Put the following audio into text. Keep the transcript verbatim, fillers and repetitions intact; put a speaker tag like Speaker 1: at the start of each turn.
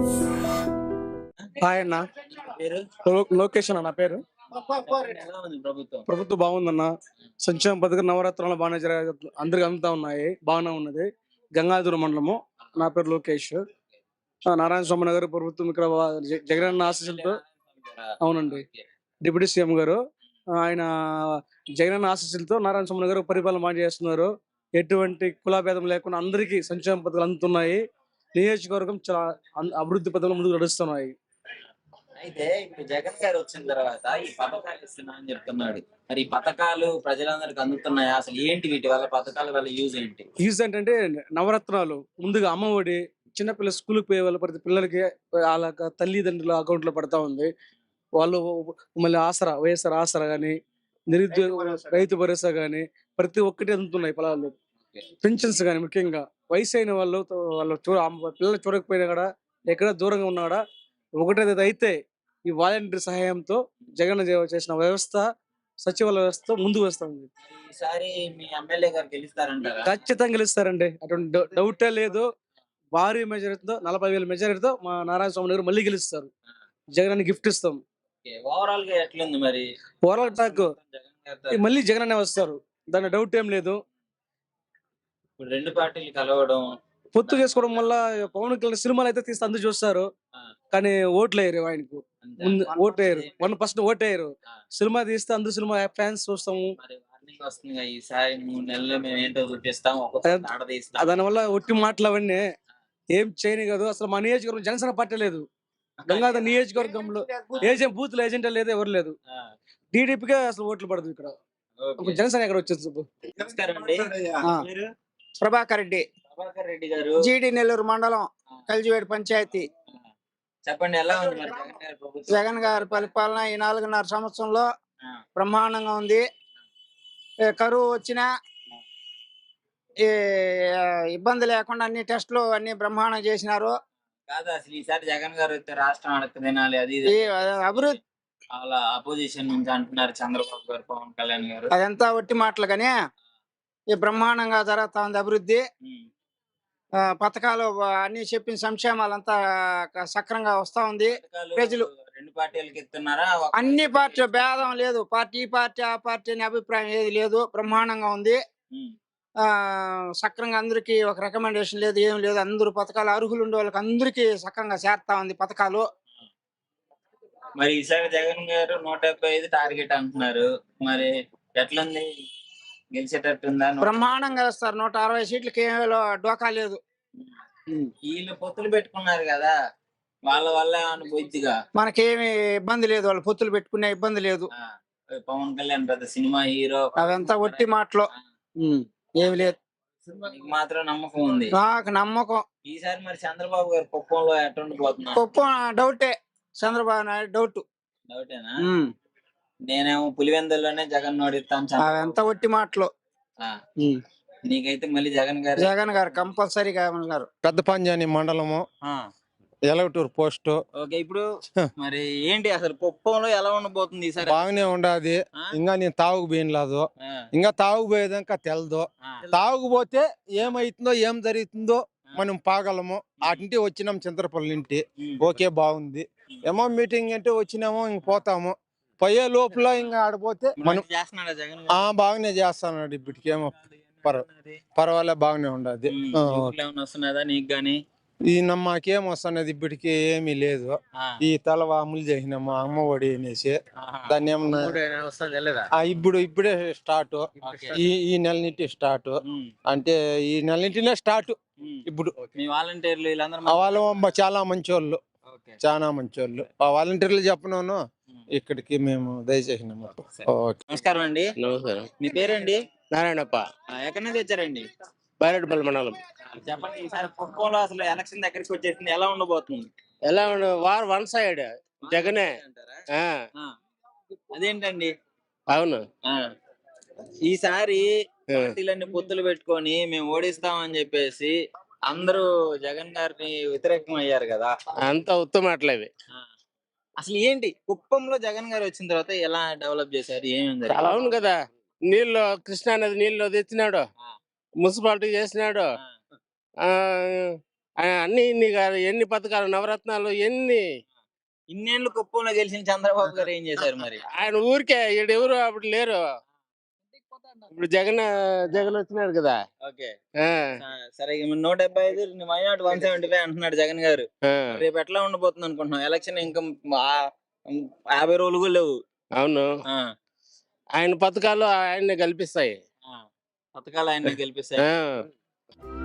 Speaker 1: Hi అన్న.
Speaker 2: పేరు
Speaker 1: లో- లోకేష్ అన్న నా పేరు.
Speaker 2: ఎలా ఉంది ప్రభుత్వం?
Speaker 1: ప్రభుత్వం బాగుందన్న. సంక్షేమ పథకం నవరాత్రులు బాగానే జరగ అందరికి అందుతా ఉన్నాయి, బాగానే ఉన్నది. గంగాధర మండలము. నా పేరు లోకేష్. ఆ, నారాయణ స్వామి నగర్ ప్రభుత్వం ఇక్కడ వా- జ- జగనన్న ఆశీస్సులతో. అవునండి. డిప్యూటీ సీఎం గారు ఆ, ఆయన జగనన్న ఆశీస్సులతో నారాయణ స్వామి నగర్ పరిపాలన బాగా చేస్తున్నారు. ఎటువంటి కులాభేదం లేకుండా అందరికీ సంక్షేమ పథకాలు అందుతున్నాయి. నియోజకవర్గం చాలా అన్- అభివృద్ధి పథకాలు ముందుకు నడుస్తున్నాయి.
Speaker 2: అయితే ఇప్పుడు జగన్ గారు వచ్చిన తర్వాత ఈ పథకాలు ఇస్తున్నా అని చెప్తున్నాడు. మరి ఈ పథకాలు ప్రజలందరికి అందుతున్నాయా? అసలు ఏంటి వీటి వల్ల, పథకాల వల్ల యూజ్ ఏంటి?
Speaker 1: యూజ్ ఏంటంటే నవరత్నాలు, ముందుగా అమ్మఒడి, చిన్నపిల్ల స్కూల్కి పోయే వాళ్ళు ప్రతి పిల్లలకి వాళ్ళ యొక్క తల్లిదండ్రుల అకౌంట్ లో పడతా ఉంది. వాళ్ళు మళ్ళీ ఆసరా, వైఎస్ఆర్ ఆసరా కానీ, నిరుద్యోగ రైతు భరోసా కానీ ప్రతి ఒక్కటి అందుతున్నాయి పొలాలు. పెన్షన్స్ కానీ ముఖ్యంగా వయసు అయిన వాళ్ళు తో- వాళ్ళు చూ అమ్మ- పిల్లలు చూడకపోయినా కూడా, ఎక్కడ దూరంగా ఉన్నా కూడా ఒకటే అయితే ఈ వాలంటీర్ సహాయంతో జగన్ చే- చేసిన వ్యవస్థ, సచివాలయ వ్యవస్థ ముందుకు వస్తుంది.
Speaker 2: ఈసారి మీ ఎమ్మెల్యే గారు గెలుస్తారంటారా?
Speaker 1: ఖచ్చితంగా గెలుస్తారండి, అటువంటి డౌ- డౌటే లేదు. భారీ మెజారిటీతో, నలభై వేల మెజారిటీతో మా నారాయణ స్వామి గారు మళ్ళీ గెలుస్తారు. జగన్ గిఫ్ట్ ఇస్తాం.
Speaker 2: ఓవరాల్ గా ఎట్లుంది మరి?
Speaker 1: ఓవరాల్ టాక్
Speaker 2: జగన్ గారితో
Speaker 1: మళ్ళీ జగన్ అనే వస్తారు, దాని డౌట్ ఏం లేదు.
Speaker 2: ఇప్పుడు రెండు పార్టీలు కలవడం,
Speaker 1: పొత్తు చేసుకోవడం వల్ల పవన్ కళ్యాణ్ సినిమాలు అయితే తీస్తే అందరూ చూస్తారు,
Speaker 2: ఆ,
Speaker 1: కానీ ఓట్లు వేయరు ఆయనకు.
Speaker 2: అంతే.
Speaker 1: ముందు ఓటు వేయరు, వన్ పర్సెంట్ ఓటు వేయరు.
Speaker 2: ఆ,
Speaker 1: సినిమా తీస్తే అందరూ సినిమా ఫ్యాన్స్ చూస్తాము.
Speaker 2: మరి వార్నింగ్ వస్తుంది కదా, ఈసారి మూడు నెలలు మేము ఏంటో చూపిస్తాం, ఒక్కొక్కటి ఆడదీస్తాం.
Speaker 1: దాని వల్ల ఒట్టి మాటలు అవన్నీ ఏం చేయని కాదు. అసలు మా నియోజకవర్గం జనసేన పార్టీ లేదు. గంగాధర్ నియోజకవర్గంలో ఏజెంట్ బూత్ ఏజెంట్ లేదు, ఎవరు లేదు.
Speaker 2: ఆ,
Speaker 1: టీడీపీకే అసలు ఓట్లు పడదు ఇక్కడ.
Speaker 2: ఓకే.
Speaker 1: ఇప్పుడు జనసేన ఎక్కడ వచ్చేది చెప్పు?
Speaker 2: నమస్కారం అండి.
Speaker 3: ఆ.
Speaker 2: మీరు?
Speaker 3: ప్రభాకర్ రెడ్డి,
Speaker 2: ప్రభాకర్ రెడ్డి గారు.
Speaker 3: జీడి నెల్లూరు మండలం,
Speaker 2: ఆ,
Speaker 3: కలిజివేడు పంచాయతీ.
Speaker 2: ఆ. చెప్పండి, ఎలా ఉంది మరి జగన్ గారి ప్రభుత్వం?
Speaker 3: జగన్ గారి పరిపాలన ఈ నాలుగున్నర సంవత్సరంలో
Speaker 2: ఆ,
Speaker 3: బ్రహ్మాండంగా ఉంది. ఏ కరువు వచ్చినా ఈ ఇబ్బంది లేకుండా అన్ని టెస్టులు అన్ని బ్రహ్మాండం చేసినారు.
Speaker 2: కాదు, అసలు ఈసారి జగన్ గారు వస్తే రాష్ట్రం అడగ తినాలి, అది ఇది
Speaker 3: ఈ అభివృద్ధి
Speaker 2: అలా అపోజిషన్ నుంచి అంటున్నారు చంద్రబాబు గారు, పవన్ కళ్యాణ్ గారు.
Speaker 3: అదంతా ఒట్టి మాటలు కానీ ఈ బ్రహ్మాండంగా జరుగుతా ఉంది అభివృద్ధి.
Speaker 2: ఉమ్,
Speaker 3: ఆ, పథకాలు అన్ని చెప్పిన సంక్షేమాలంతా సక్రంగా వస్తా ఉంది.
Speaker 2: పథకాలు
Speaker 3: ప్రజలు
Speaker 2: రెండు పార్టీలకి ఇస్తున్నారా? ఒక
Speaker 3: అన్ని
Speaker 2: పార్టీకి
Speaker 3: పార్టీ భేదం లేదు, పార్టీ ఈ పార్టీ ఆ పార్టీ అనే అభిప్రాయం ఏది లేదు, బ్రహ్మాండంగా ఉంది.
Speaker 2: ఉమ్,
Speaker 3: ఆ సక్రంగా అందరికి ఒక రికమెండేషన్ లేదు, ఏం లేదు. అందరూ పథకాలు అర్హులు ఉండే వాళ్ళకి అందరికీ సక్రంగా చేరుతా ఉంది పథకాలు.
Speaker 2: మరి ఈసారి జగన్ గారు నూట డెబ్బై ఐదు టార్గెట్ అంటున్నారు. మరి ఎట్లుంది, గెలిచేటట్టుందా? నూట-
Speaker 3: బ్రహ్మాండంగా వేస్తారు. నూట అరవై సీట్లకి ఏమీ డోకా లేదు.
Speaker 2: ఉమ్, వీళ్ళు పొత్తులు పెట్టుకున్నారు కదా, వాళ్ళ వల్ల అనుభూతిగా
Speaker 3: మనకేమి ఇబ్బంది లేదు, వాళ్ళు పొత్తులు పెట్టుకునే ఇబ్బంది లేదు.
Speaker 2: పవన్ కళ్యాణ్ పెద్ద సినిమా హీరో,
Speaker 3: అవంతా ఒట్టి మాటలు, ఏమి లేదు.
Speaker 2: మీకు మాత్రం నమ్మకం ఉంది.
Speaker 3: నాకు నమ్మకం.
Speaker 2: ఈసారి మరి చంద్రబాబు గారు కుప్పంలో ఎట్టుండిపోతున్నారు?
Speaker 3: గొప్ప డౌటే, చంద్రబాబు నాయుడు డౌట్.
Speaker 2: డౌటేనా? నేనేమో పులివెందుల్లోనే జగన్ నోడిస్తాను.
Speaker 3: అవంతా ఒట్టి మాటలు.
Speaker 2: నీకైతే మళ్ళీ జగన్ గారు.
Speaker 3: జగన్ గారు కంపల్సరీగా ఉన్నారు.
Speaker 4: పెద్ద పంజాని మండలము,
Speaker 2: ఆ,
Speaker 4: ఎలవటూరు పోస్ట్.
Speaker 2: ఓకే. ఇప్పుడు మరి ఏంటి అసలు కుప్పంలో ఎలా ఉండబోతుంది ఈసారి?
Speaker 4: బాగానే ఉండాది.
Speaker 2: ఆ?
Speaker 4: ఇంకా నేను తాగుకు పోయినలేదు,
Speaker 2: ఆ,
Speaker 4: ఇంకా తాగుపోయేదాకా తెలదు.
Speaker 2: ఆ,
Speaker 4: తాగుపోతే ఏమైతుందో ఏం జరుగుతుందో మనం పాగలము. అటుంటి వచ్చినాం చింతరపల్లి ఇంటి.
Speaker 2: ఉమ్,
Speaker 4: ఓకే, బాగుంది. ఏమో మీటింగ్ అంటే వచ్చినామో ఇంక పోతాము. పోయే లోపల ఇంకా ఆడిపోతే మనం
Speaker 2: మంచి చేస్తున్నాడా జగన్
Speaker 4: ఆ
Speaker 2: గారు?
Speaker 4: బాగానే చేస్తున్నాడు. ఇప్పటికేమో పర్వ పర్వాలే, బాగానే ఉండదు.
Speaker 2: ఉమ్,
Speaker 4: ఆ,
Speaker 2: ఊర్లో ఏమన్నా వస్తున్నదా నీకు గాని?
Speaker 4: ఈ నమ్మకేం వస్తున్నది ఇప్పటికి ఏమీ లేదు.
Speaker 2: ఆ,
Speaker 4: ఈ తలవాములు చేసినాము అమ్మ ఒడి అనేసి.
Speaker 2: ఆహా.
Speaker 4: దాన్ని ఏమన్నా
Speaker 2: వస్తుందా లేదా?
Speaker 4: ఆ, ఇప్పుడు ఇప్పుడే స్టార్ట్.
Speaker 2: ఓకే.
Speaker 4: ఈ ఈ నెల నుంచి స్టార్ట్
Speaker 2: ఉమ్,
Speaker 4: అంటే ఈ నెల నుంచినే స్టార్ట్.
Speaker 2: ఉమ్.
Speaker 4: ఇప్పుడు
Speaker 2: మీ వాలంటీర్లు వీళ్ళందరూ
Speaker 4: ఆ వాళ్ళు మ- చాలా మంచోళ్ళు,
Speaker 2: ఓకే.
Speaker 4: చాలా మంచోళ్ళు. ఆ వాలంటీర్లు చెప్పను
Speaker 2: ఉమ్.
Speaker 4: ఇక్కడికి మేము దయచేసినాము.
Speaker 2: సరే.
Speaker 4: ఓకే.
Speaker 2: నమస్కారం అండి.
Speaker 5: నమస్కారం.
Speaker 2: మీ పేరండి?
Speaker 5: నారాయణప్ప,
Speaker 2: ఆ, ఎక్కడి నుంచి వచ్చారండి?
Speaker 5: బైరెడ్డిపల్లి మండలం.
Speaker 2: చెప్పండి, ఈసారి కుప్పంలో అసలు ఎలక్షన్ దగ్గరికి వచ్చేసింది, ఎలా ఉండబోతుంది?
Speaker 5: ఎలా ఉండు వార్ వన్ సైడ్ జగనే.
Speaker 2: అంటారా?
Speaker 5: ఆ,
Speaker 2: ఆ, అదేంటండి?
Speaker 5: అవును.
Speaker 2: ఆ, ఈసారి
Speaker 5: ఆ.
Speaker 2: పార్టీలన్నీ పొత్తులు పెట్టుకొని మేము ఓడిస్తామని చెప్పేసి అందరూ జగన్ గారిని వ్యతిరేకం అయ్యారు కదా.
Speaker 5: అంత ఉత్తమాటలేవి.
Speaker 2: ఆ, అసలు ఏంటి కుప్పంలో జగన్ గారు వచ్చిన తర్వాత ఎలా డెవలప్ చేశారు, ఏమేమి
Speaker 5: చాలా అవును కదా, నీళ్ళు కృష్ణా నది నీళ్ళు తెచ్చినాడు,
Speaker 2: ఆ,
Speaker 5: మున్సిపాలిటీ చేసినాడు.
Speaker 2: ఆ,
Speaker 5: ఆ ఆ, అన్ని ఇన్ని కాదు, ఎన్ని పథకాలు నవరత్నాలు ఎన్ని.
Speaker 2: ఇన్నేళ్ళు కుప్పంలో గెలిచిన చంద్రబాబు గారు ఏం చేశారు మరి?
Speaker 5: ఆయన ఊరికే ఈడెవరు అప్పుడు లేరు. ఇప్పుడు జగన్ జగన్ వచ్చినాడు కదా.
Speaker 2: ఓకే.
Speaker 5: ఆ,
Speaker 2: ఆ, సరే ఇక నూట డెబ్బై ఐదు మైనాట్ వన్ సెవెంటీ ఫైవ్ అంటున్నాడు జగన్ గారు.
Speaker 5: ఆ,
Speaker 2: రేపు ఎట్లా ఉండబోతుంది అనుకుంటున్నాం? ఎలక్షన్ ఇంకా ఆ- యాభై రోజులు కూడా లేవు.
Speaker 5: అవును.
Speaker 2: ఆ,
Speaker 5: ఆయన పథకాలు ఆయన్ని కల్పిస్తాయి.
Speaker 2: ఆ. పథకాలు ఆయన్ని గెలిపిస్తాయి.
Speaker 5: ఆ.